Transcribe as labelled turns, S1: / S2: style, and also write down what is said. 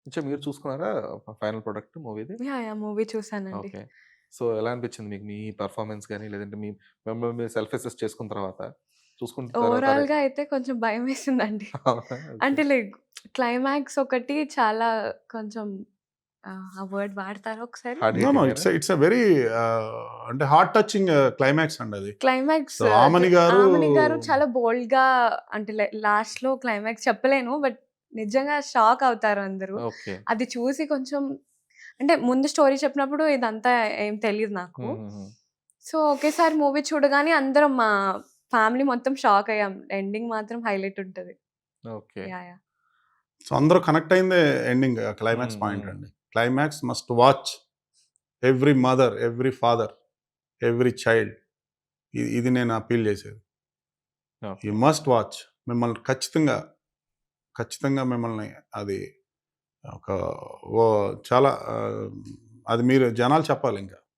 S1: మీరు చూసుకున్నారా final product మూవీది?
S2: యాహ్! మూవీ చూసానండి.
S1: ఓకే. సో, ఎలా అనిపించింది మీకు మీ పెర్ఫార్మన్స్ గాని, లేదంటే మిమ్మల్ని మీరు సెల్ఫ్ అసెస్ చేసుకున్న తర్వాత, చూసుకున్న తర్వాత అరే!
S2: ఓవరాల్‌గా అయితే కొంచెం భయమేసిందండి.
S1: అవునా? ఓకే.
S2: అంటే లైక్ క్లైమాక్స్ ఒకటి చాలా కొంచెం ఆ వర్డ్ వాడతారా ఒకసారి?
S1: Hard
S3: no. నో.
S1: హిట్టింగేనా?
S3: ఇట్స్ ఎ వెరీ అంటే హార్ట్ టచింగ్ క్లైమాక్స్ అండి అది.
S2: క్లైమాక్స్
S3: సో, ఆమని గారు
S2: 'ఆమని' గారు చాలా బోల్డ్‌గా అంటే లాస్ట్‌లో క్లైమాక్స్ చెప్పలేను. బట్ నిజంగా షాక్ అవుతారు అందరూ.
S1: ఓకే.
S2: అది చూసి కొంచెం అంటే ముందు స్టోరీ చెప్పినప్పుడు ఇదంతా ఏం తెలీదు నాకు.
S1: హుహుహు.
S2: సో, ఒకేసారి మూవీ చూడగానే అందరం మా ఫ్యామిలీ మొత్తం షాక్ అయ్యాం. ఎండింగ్ మాత్రం హైలైట్ ఉంటది.
S1: ఓకే.
S2: యాహ్!
S3: సో, అందరూ కనెక్ట్ అయిందే ending
S1: hmm.
S3: Climax point
S1: hmm.
S3: అండి. Climax must watch every mother, every father, every child. ఇది నేను అప్పీల్ చేసేది. You
S1: okay.
S3: Must watch. మిమ్మల్ని ఖచ్చితంగా, ఖచ్చితంగా మిమ్మల్ని అది ఒక ఓ చాలా అది మీరు జనాలు చెప్పాలింక.